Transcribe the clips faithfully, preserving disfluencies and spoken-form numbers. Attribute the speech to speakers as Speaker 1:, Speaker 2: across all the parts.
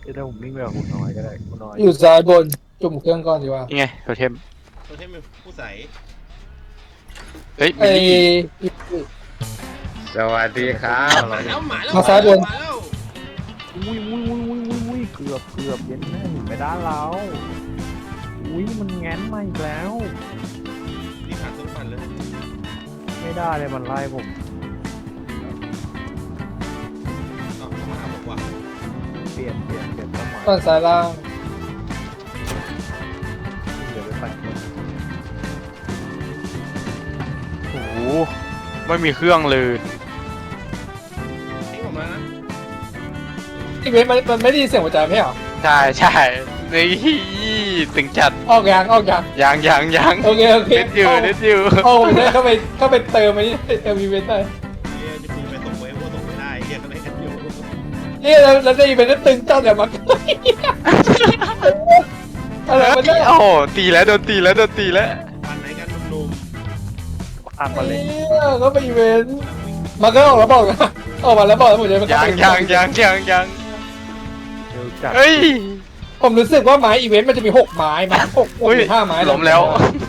Speaker 1: เดี๋ยวผมวิ่งไปกับคุณน้อยก็ได้คุณน้อย
Speaker 2: อยู่ซ้ายบนจุ่มเครื่องก่อนดีกว่า
Speaker 3: นี่ไงโทเทม
Speaker 4: โทเทมผู้ใส
Speaker 3: เฮ้ย
Speaker 2: ไอ้
Speaker 3: มิลลี่
Speaker 5: สวัสดีครับ
Speaker 4: มาแล้วมาแล้ว
Speaker 2: มาซ้ายบน
Speaker 4: มาแล้ว
Speaker 1: อุ้ยอุ้ยอุ้ยอุ้ยอุ้ยอุ้ยเกือบเกือบเย็นแม่หนีไม่ได้แล้วอุ้ยมันแง้นมาอีกแล้ว
Speaker 4: รีบหาเครื่องปั่นเลย
Speaker 1: ไม่ได้เลยมันไล่ผม
Speaker 4: เอาเข้ามาหาผมว่ะ
Speaker 1: เปลี่ยนเปลี่ยนเปลี่ยนเป้าหมาย
Speaker 2: ฝั่งซ้ายล่าง
Speaker 1: เดี๋ยวไปปั่นเครื่อง
Speaker 3: โอ้โหไม่มีเครื่องเลย
Speaker 4: ทิ้งผมแล้วนะ
Speaker 2: อีเวนต์มันมันไม่ได้ยินเสียงหัวใจไม่เหรอ
Speaker 3: ใช่ใช่นี่ตึงจัด
Speaker 2: ออกยางออกยาง
Speaker 3: ยังยังยัง
Speaker 2: โอเคโอเค
Speaker 3: เน็ตอยู่เน็ตอยู่
Speaker 2: โอ้ได้เข้าไปเข้าไปเติมไอ้นี่เติมอีเวนต์ได้
Speaker 4: เฮียจะคุณไปส่งเวฟก็ส่งไม่ได้เฮียก็เลยกันอยู่
Speaker 2: นี่เราเราได้อีเวนต์นั้นตึงจัดแบบมันอะไรมันเนี่ย
Speaker 3: โอ้โหตีแล้วโดนตีแล้วโดนตีแล้ว
Speaker 4: ปั่นไหนกันหนุ่ม
Speaker 1: ตามมาเลย
Speaker 2: เขาไปอีเวนต์มันก็ออกแล้วบอกนะออกมาแล้วบอกแล้วผมจะไป
Speaker 3: ยังยังยังยังยัง
Speaker 1: เร็วจัด
Speaker 3: เฮ้ย
Speaker 2: ผมรู้สึกว่าไม้อีเวนต์มันจะมีหกไม้มั้ยหกหก
Speaker 3: อุ้ย
Speaker 2: หรือห้าไม้
Speaker 3: ล้มแล้ว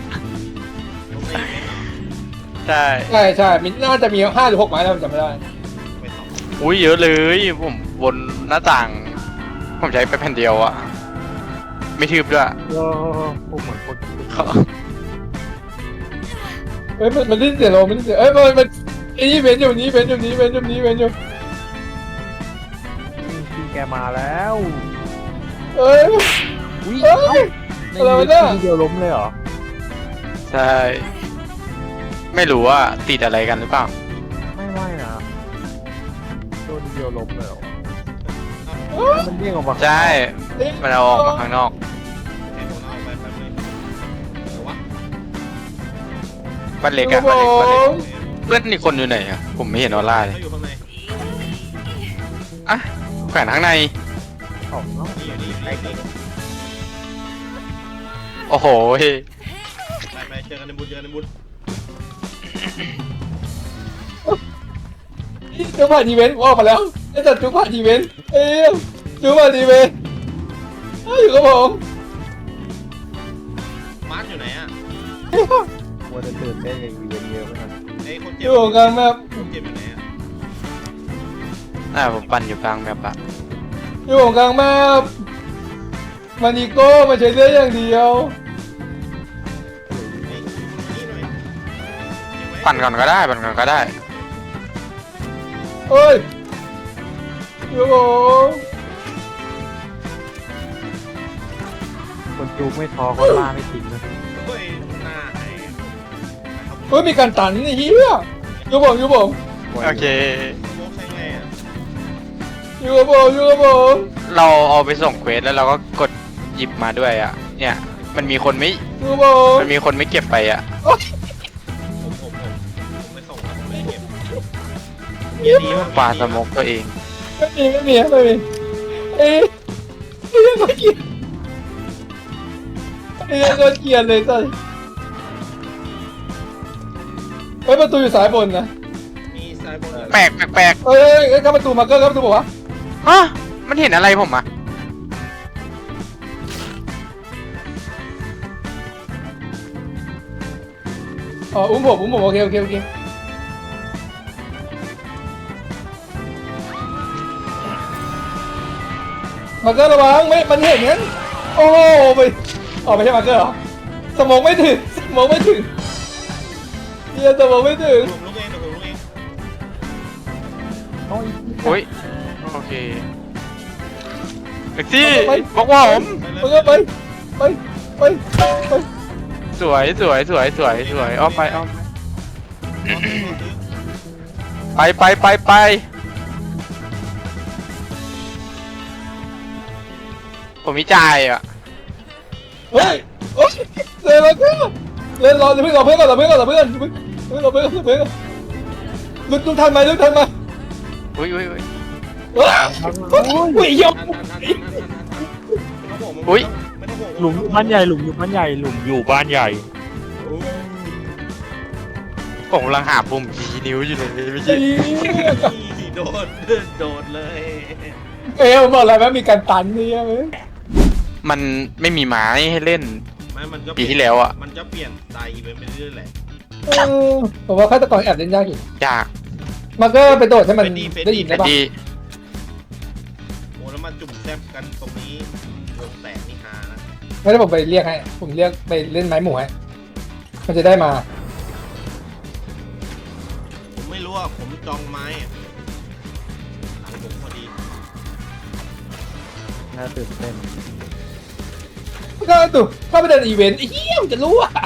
Speaker 3: ใช่
Speaker 2: ใช่ใช่มีน่าจะมีห้าหรือหกไม้แล้วผมจำไม่ได้
Speaker 4: ไปสอง
Speaker 3: อุ้ยเยอะเลยผมบนหน้าต่าง ผมใช้ไปแผ่นเดียวอะไม่ทืบด้วย
Speaker 1: เออผมเหมือนคน
Speaker 3: เขา
Speaker 2: เฮ้ยมันมันได้เสียโลมันได้เสียเอ้ยมันมันไอ้นี่เว้นอยู่นี้เว้นอยู่นี้เว้นอยู่นี้เว้นอยู่
Speaker 1: พี่แกมาแล้ว
Speaker 2: เอ้ย
Speaker 1: อุ้ย
Speaker 2: เอ้ย
Speaker 1: ใน
Speaker 2: อะไรวะ
Speaker 1: นี้
Speaker 2: เนี่ย
Speaker 1: ทีเดียวล้มเลยเหรอ
Speaker 3: ใช่ ไม่รู้ว่าติดอะไรกันหรือเปล่า
Speaker 1: ไม่ไม่นะโดนทีเดียวล้มเลยเหรอ
Speaker 2: เอ้ย
Speaker 1: มันเด้งออกมา
Speaker 3: ใช่ มันเอาออกมาข้างนอก
Speaker 4: ให้ผมเอาไปแป๊บนึงเดี๋ยววะ
Speaker 3: บ้านเล็กอะบ้านเล็กบ้านเล็กเพื่อนอีกคนอยู่ไหนอะผมไม่เห็นออร่าเลย
Speaker 4: เขาอยู่ข้างใน
Speaker 3: อ่ะแขวนข้างใน
Speaker 1: ของเนาะ
Speaker 4: นี่อยู่นี่อยู่นี่อยู่นี่
Speaker 3: โอ้โหเฮ้ย
Speaker 4: ไปไปเจอกันในบุญเจอกันในบุญ
Speaker 2: จุ๊บผ่านอีเวนต์ออกมาแล้วไอ้จัดจุ๊บผ่านอีเวนต์เอ้ยจุ๊บผ่านอีเวนต์เอ้ยอยู่กับผม
Speaker 4: มาร์ทอยู่ไหนอ่ะ
Speaker 1: มัวแต่ตื่นเต้นกับอีเวนต์เยอะไปหน่อย
Speaker 4: ไอ้คน
Speaker 2: อ
Speaker 4: เจ็บ
Speaker 2: ยู่กันแบบ
Speaker 4: คนเจ็บอยู่ไหนอ่ะ
Speaker 3: อ่าผมปั่นอยู่กลางแมปอะ
Speaker 2: อยู่กลางแบบมันอีโก้มาใช้เสื้ออย่างเดียว
Speaker 4: ไอ้นี่หน่อยเก็บไว้
Speaker 3: ปั่นก่อนก็ได้ปั่นก่อนก็ได้
Speaker 2: เอ้ยอยู่กับผม
Speaker 1: คนจูไม่ท้อก็ล่าไม่ทิ้งนะ
Speaker 4: เฮ้ยหน้าไอ้ครับ
Speaker 2: เฮ้ยมีการตันนี่เฮียอยู่ผมอยู่ผม
Speaker 3: โอเค
Speaker 4: โมกใช่ไงอ่ะ
Speaker 2: อยู่กับผมอยู่กับผม
Speaker 3: เราเอาไปส่งเควสแล้วเราก็กดหยิบมาด้วยอะเนี่ย มันมีคนไม่
Speaker 2: อยู่กับผม
Speaker 3: มันมีคนไม่เก็บไปอะ
Speaker 4: ผมผมผมผมไม่ส่งแล้วผมไม่เก็บเฮียดีมาก
Speaker 3: ปาสโมกตัวเอง
Speaker 2: ไม่มีไม่มีไม่มีเอ้ยเอ้ยก็เกลียดเอ้ยก็เกลียดเลยจ้ะเฮ้ยประตูอยู่สายบนนะ
Speaker 4: มีสายบนเหรอ
Speaker 3: แปลกแปลกแปลก
Speaker 2: เอ้ยเอ้ยเข้าประตูมาเกอร์เข้าประตูบอกว่า
Speaker 3: ฮะมันเห็นอะไรผมอะ
Speaker 2: อ๋ออุ้มผมอุ้มผมโอเคโอเคโอเคมาเกอร์ระวังไม่มันเห็นงั้นโอ้โหไปอ๋อไม่ใช่มาเกอร์เหรอสมองไม่ถึงสมองไม่ถึงเฮียสมองไม่ถึง
Speaker 4: ผมลุกเองเดี๋ยวผมลุกเอง
Speaker 1: โอ้ย
Speaker 3: โอ้ยโอเคแท็กซี่บอกว่าผม
Speaker 2: มาเกอร์ไปไปไปไป
Speaker 3: สวยสวยสวยสวยสวยอ้อมไปอ้อมไปไปไปไปผมมีจ่ายอ่ะ
Speaker 2: เฮ้ยโอ๊ยเล่นมาเกอร์เล่นรอเดี๋ยวเพิ่งรอเพื่อนก่อนรอเพื่อนก่อนรอเพื่อนเพิ่งเพิ่งรอเพื่อนรอเพื่อนลุกลุกทันไหมลุกทันไหม
Speaker 3: อุ้ยอุ้ยอุ้ย
Speaker 2: ว้าวอุ้ยยก
Speaker 4: ทันทันทันทันทันทันไม่ต้องห่วงมึง
Speaker 3: อุ๊ย
Speaker 4: ไม่ต้องห่วง
Speaker 1: หลุมอยู่บ้านใหญ่หลุมอยู่บ้านใหญ่หลุมอยู่บ้านใหญ่
Speaker 3: ผมกำลังหาปุ่มชี้นิ้วอยู่เลยไม่ใช่
Speaker 4: โดดโดดเลย
Speaker 2: เอ้ยผมบอกแล้วว่ามีการตันนี่เว้ย
Speaker 3: มันไม่มีไม้ให้เล่น
Speaker 4: ไม่มันก็
Speaker 3: ปีที่แล้วอะ
Speaker 4: มันจะเปลี่ยนสไตล์อีเวนต์ไปเรื่อยๆแหละ
Speaker 2: เออผมว่าฆาตกรแอบเล่นยากอยู่
Speaker 3: ยาก
Speaker 2: มันก็ไปโดดให้มันได้ยิน
Speaker 3: แต่
Speaker 2: ได้ปะ
Speaker 3: ดี
Speaker 4: โอ้แล้วมาจุ่มแซบกันตรงนี้วงแตกนี่ฮานะ
Speaker 2: ไม่ได้ผมไปเรียกให้ผมเรียกไปเล่นไม้หมูให้มันจะได้มา
Speaker 4: ผมไม่รู้อ่ะผมจองไม้อะหลังผมพอดี
Speaker 1: น่าตื่นเต้น
Speaker 2: ก็ตุเข้าไปเดินอีเวนต์ไอ้เหี้ยมันจะรู้อ่ะ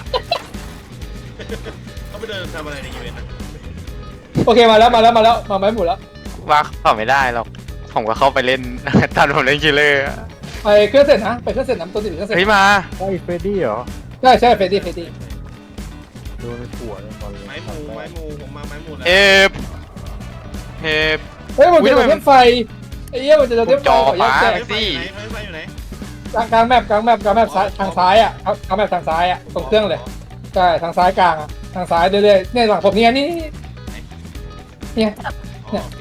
Speaker 4: เขาไปเดินทำอะไรในอีเวนต์นะ
Speaker 2: โอเคมาแล้วมาแล้วมาแล้วมาไม้หมูแล้ว
Speaker 3: ว่าเข้าไม่ได้หรอกผมก็เข้าไปเล่น ตอนผมเล่นคิลเลอร์อะ
Speaker 2: ไปเครื่องเสร็จนะไปเครื่องเสร็จน้ำตัวติดเครื่องเสร็จ
Speaker 3: เฮ้ยมา
Speaker 1: ไอ้เฟรดดี้เหรอ
Speaker 2: ใช่ใช่เฟดดี้เฟดดี้
Speaker 1: โดนผัวเลยตอนเลย
Speaker 4: ไม้หมูไม้หมูผมมาไม้หมูแล้ว
Speaker 3: เอฟเอฟ
Speaker 2: เฮ้ยมันจะ
Speaker 3: อุ๊
Speaker 2: โด
Speaker 3: ย
Speaker 2: น
Speaker 3: ทำไม
Speaker 2: เทปไฟไอ้เหี้ยมันจะโดนเทปไฟ
Speaker 3: จอ
Speaker 2: ขอแยก
Speaker 3: ฟ้า
Speaker 2: แจก
Speaker 4: ไฟอยู่ไหนไฟอยู่ไหน
Speaker 2: กลางกลางแมปกลางแมปกลางแมปซ้ายทางซ้ายอ่ะกลางแมปทางซ้ายอ่ะตรงเครื่องเลยใช่ทางซ้ายกลางอ่ะทางซ้ายเรื่อยๆเนี่ยหลังผมเนี่ยนี่เนี่ย
Speaker 4: อ๋อโอเค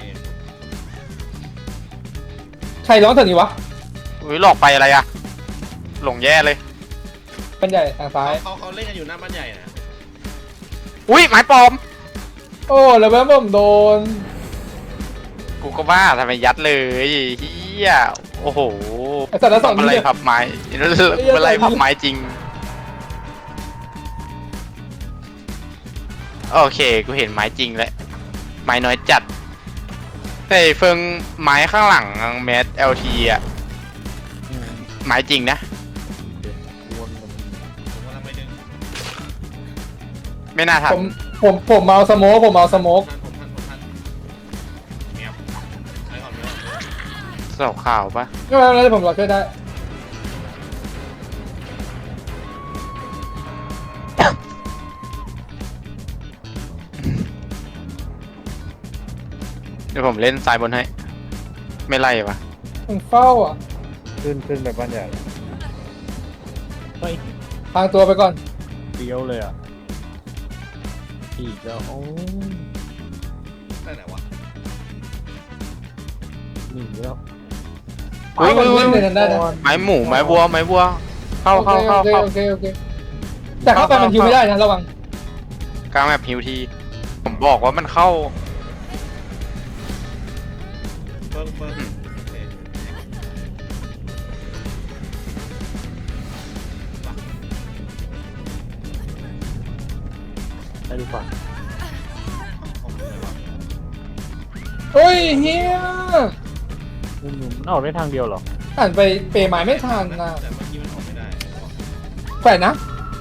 Speaker 2: ใครร้องเถอะนี่วะ
Speaker 3: อุ้ยหลอกไปอะไรอะหลงแย่เลย
Speaker 2: เป็นใหญ่ทางซ้าย
Speaker 4: เขาเขาเล่นกันอยู่หน้าบ้านใหญ่นะ
Speaker 3: อุ้ยไม้ปลอม
Speaker 2: โอ้แล้วแม่ผมโดน
Speaker 3: กูก็ว่าทำไมยัดเลยเฮียโอ้โห
Speaker 2: ไอ้สัตว์ละสอง
Speaker 3: อะไร
Speaker 2: นิ้ว
Speaker 3: พับไม้อะไรพับไม้จริง โอเค กูเห็นไม้จริงแล้ว ไม้น้อยจัดแต่เฟิงไม้ข้างหลังแมสเอลทีอะไม้จริงนะ
Speaker 1: วนมัน
Speaker 4: ผมกำลังไปดึง
Speaker 3: ไม่น่าทั
Speaker 2: ผ
Speaker 3: น
Speaker 2: มผมผมเมาสโมกผมเมาสโมก
Speaker 4: ทันผมทันผมทันเมียไปก่อนไปก่อน
Speaker 3: สอบข่าวปะ
Speaker 2: ก็ไม่เป็นไรผมรอช่วยได้
Speaker 3: เดี๋ยวผมเล่นซ้ายบนให้ ไม่ไล่ปะ
Speaker 2: มันเฝ้าอ่ะ
Speaker 1: ขึ้นขึ้นไปบ้านใหญ่เฮ้ย
Speaker 2: ทางตัวไปก่อน
Speaker 1: เดียวเลยอ่ะอีกแล้วโอ้
Speaker 4: ได้ไหนวะ
Speaker 1: หนีแล้ว
Speaker 3: เฮ้ย
Speaker 2: เอา
Speaker 3: เฮ้ย
Speaker 2: มัน
Speaker 3: เฮ้
Speaker 2: เล่
Speaker 3: ย
Speaker 2: นในนั้นได้นะ
Speaker 3: ไม้หมูไม้วัวไม้วัว เข้าเข้าเข้า
Speaker 2: โอเค
Speaker 3: เข้า
Speaker 2: โอเคโอเคแต่เข้าไปมันยิวไม่ได้นะระวัง
Speaker 3: กลางแบบฮิวที ผมบอกว่ามันเข้า
Speaker 4: เฟิร์นเฟิร์นโอเค
Speaker 1: ได้ดีกว่า
Speaker 4: ของผมเลยวะ
Speaker 2: เฮ้ยเฮีย
Speaker 1: มุมมุมมันออกได้ทางเดียวเหรอ
Speaker 2: อ่านไปเปย์หมายไม่ทันนะ
Speaker 4: แต่เมื่อกี้มันออกไม่ได้
Speaker 2: แขวนนะ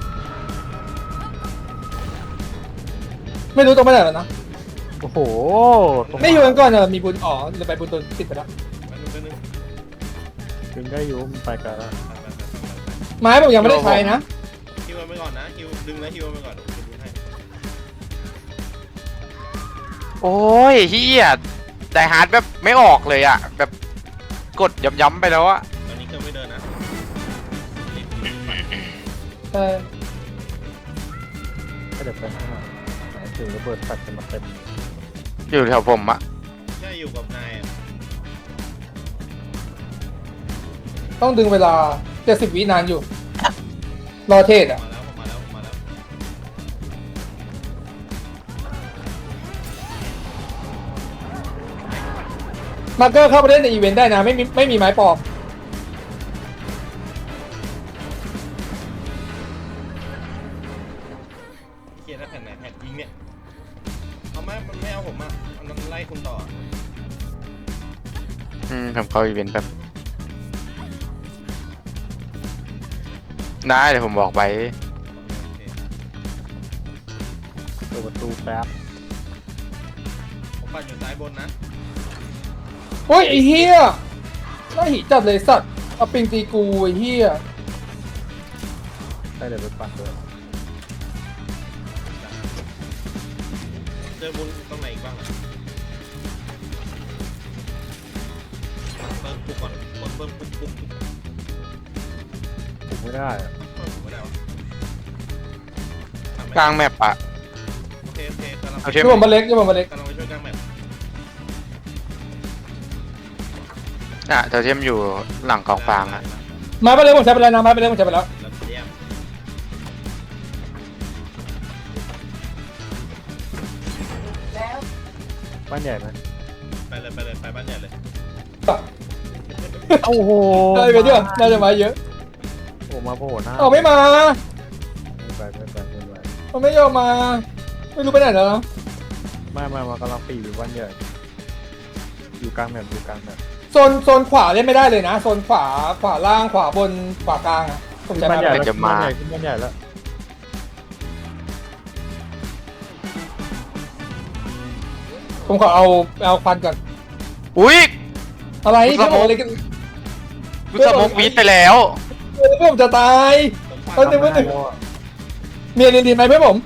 Speaker 2: ไม่รู้ตรงไปไหนแล้วนะ
Speaker 1: โอ้โหตรง
Speaker 2: ไม่อยู่กันก่อนอะมีบุญอ๋อหรือไปบุญตนติดไปแล้ว
Speaker 4: ไปนึงไปนึง
Speaker 1: ดึงได้อยู่มันไปกันแล้ว
Speaker 4: ไปไปไปไปไป
Speaker 2: ไม้ผมยังไม่ได้ใช้นะ
Speaker 4: ฮิวมันไปก่อนนะฮิวดึงแล้วฮิวมันไปก่อนเดี๋ยวผมดูให้
Speaker 3: โอ้ยเฮียไดฮาร์ดแบบไม่ออกเลยอะแบบกดย้ำๆไปแล้วอะ
Speaker 4: ตอนนี้เครื่องไม่เดินนะรีบรีบไป
Speaker 2: ใช่
Speaker 1: ก็เดี๋ยวไปข้างหน้าไหนถึงระเบิดตัดกันมาเต็ม
Speaker 3: อยู่แถวผมอะ
Speaker 4: ใช่อยู่กับนายอะ
Speaker 2: ต้องดึงเวลาเจ็ดสิบวินานอยู่ รอเทศอ่ะ
Speaker 4: มาแล้วผมมาแล้วผมมาแล้ว
Speaker 2: มาร์เกอร์เข้าไปเล่นในอีเวนต์ได้นะ ไม่มีไม่มีไม้ปลอม
Speaker 4: เครียดนะแผ่นไหนแผ่นยิงเนี่ยเอาไหมมันไม่เอาผมอ่ะมันไล่คุณต่อ
Speaker 3: อืมผมเข้าอีเวนต์แบบได้เดี๋ยวผมบอกไป
Speaker 1: เปิดประตูแป๊บ
Speaker 4: ผมปั่นอยู่ซ้ายบนนะ
Speaker 2: โอ้ยไอ้เฮียน่าหิจัดเลยสัตว์เอาปิงตีกูไอ้เฮีย
Speaker 1: ได้เดี๋ยวไปปั่นด้วย
Speaker 4: เจอบุญตรงไหนอีกบ้างอะเปิดปุ๊กก่อนเปิดเปิดปุ๊กปุ๊ก
Speaker 1: ถูกไม่ได้อะ
Speaker 4: เปิดไม่ได้วะทำไม่
Speaker 3: ก
Speaker 4: ได้
Speaker 3: ลางแมปอะ
Speaker 4: โอเคโอเคกำลัง
Speaker 3: เอาเท
Speaker 2: ที่ผมมาเล็กที่ผมมาเล็ก
Speaker 4: กำลังไปช่วยกลางแมป
Speaker 3: อ่ะโทเทมอยู่หลังกองฟางอ่ะ
Speaker 2: มาไปเลยผมใช้ไปแล้วนะมาไปเลยผมใช้ไปแล้ว
Speaker 4: แล้วเยี่ยม
Speaker 1: บ้านใหญ่ไหม
Speaker 4: ไปเลยไปเลยไปบ้านใหญ่เลย
Speaker 1: โอ้โห
Speaker 2: ได้ไปเยอะน่าจะมาเยอะ
Speaker 1: โอ้มาโผล่หน้า
Speaker 2: เอาไม่มา
Speaker 1: ไม่ไปไม่ไปไม่ไป
Speaker 2: เอาไม่ยอมมา ไม่รู้ไปไหนแล้ว
Speaker 1: ไม่ไม่มากำลังปีอยู่บ้านใหญ่อยู่กลางแบบอยู่กลางแบบ
Speaker 2: โซนโซนขวาเล่นไม่ได้เลยนะโซนขวาขวาล่างขวาบนขวากลางอะผมใช้
Speaker 1: บ้าน
Speaker 2: มา
Speaker 1: ใหญ่
Speaker 2: ไป
Speaker 1: แล้วบ้านใหญ่ขึ้นบ้านใหญ่แล้ว
Speaker 2: ผมขอเอาเอาควันก่อน
Speaker 3: อุ้ย
Speaker 2: อะไร
Speaker 3: ส
Speaker 2: พี่
Speaker 3: โม
Speaker 2: บอก
Speaker 3: ก
Speaker 2: อะไรกัน
Speaker 3: กูสโมกวีดไปแล้ว
Speaker 2: เพื่อนผมจะตาย
Speaker 4: ผมฟัง
Speaker 2: เอาหนึ่ง
Speaker 1: ทำให้โลอะ
Speaker 2: เมียนดีไหมเพื่อนผม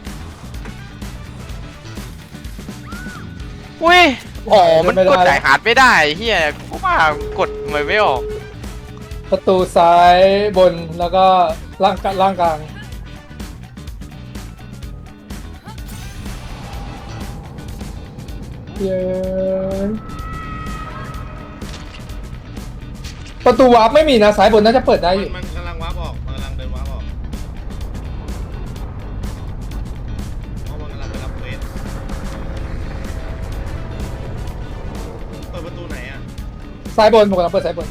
Speaker 3: อุ้ยอ๋อมัน
Speaker 2: ไม่ได้
Speaker 3: กดจ่ายฮาร์ดไม่ได้เฮียกูว่ากดมันไม่ออก
Speaker 2: ประตูซ้ายบนแล้วก็ล่างล่างกลางเย้ประตูวาร์ปไม่มีนะซ้ายบนน่าจะเปิดได้อยู่
Speaker 4: มันกำลังวาร์ปออกมันกำลังเดินวาร์ปออกเพราะมันกำลังไปรับเควสเปิดประตูไหนอ่ะ
Speaker 2: ซ้ายบนผมกำลังเปิดซ้ายบน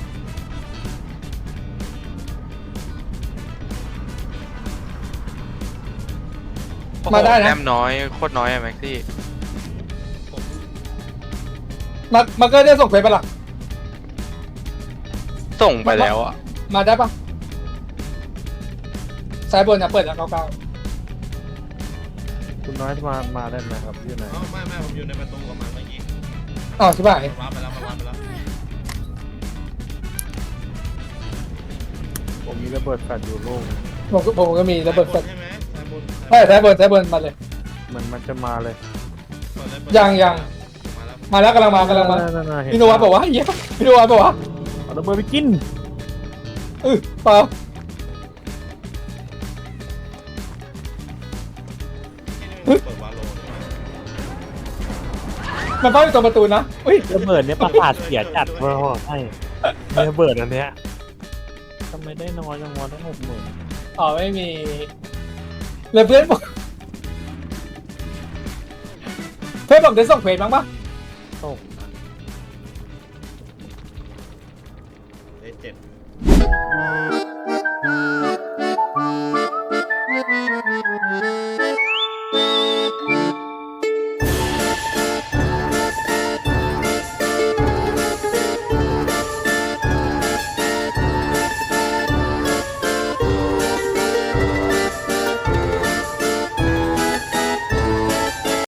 Speaker 2: มาได้นะ
Speaker 3: แต้มน้อยโคตรน้อยอะแม็กซี่
Speaker 4: ผม
Speaker 2: มามาเกอร์ได้ส่งเควสไปะล่ะ
Speaker 3: ส่งไปแล้วอ่ะ
Speaker 2: มาได้ปะซ้ายบนนะเปิดแล้วเก้าเก้า
Speaker 1: คุณน้อยมามาได้ไหมครับอยู่ไหน
Speaker 4: อ๋อไม่ไม่ผมอยู่ในประตูกับมันเมื่อกี้
Speaker 2: อ้าวใช่ป่ะ
Speaker 4: วาร์ปไปแล้วมันวาร์ปไปแล้ว
Speaker 1: ผมมีระเบิดแฟลชอยู่ลูก
Speaker 2: ผมก็ผมก็มีระเบิดแฟลช
Speaker 4: ใช่ไหมสายบน
Speaker 2: ใช่ซ้ายบนซ้ายบนมาเลย
Speaker 1: มันมันจะมาเลย
Speaker 4: เปิดเลยเปิด
Speaker 2: ยังยัง
Speaker 4: มาแล้ว
Speaker 2: มาแล้วกำลังมากำลังมา
Speaker 1: นั่นๆๆเห็
Speaker 2: พี่นวัดบอกว่าเหี้ยพี่นวัดบอกว่า
Speaker 1: เอาระเบิดไปกิน
Speaker 2: เออเปล่า
Speaker 4: เปิดวาโล
Speaker 2: มันเฝ้าอยู่ตรงประตูนะอุ้ย
Speaker 1: ระเบิดเนี่ยประสาทเสียจัดเว้ยใช่ระเบิดอันเนี้ยทำไมได้น้อยจังวะได้หกหมื่น
Speaker 2: อ๋อไม่มีแล้วเพื่อนบอกเพื่อนบอกได้ส่งเควสบ้างปะ
Speaker 1: ตก
Speaker 4: ได้เจ็ด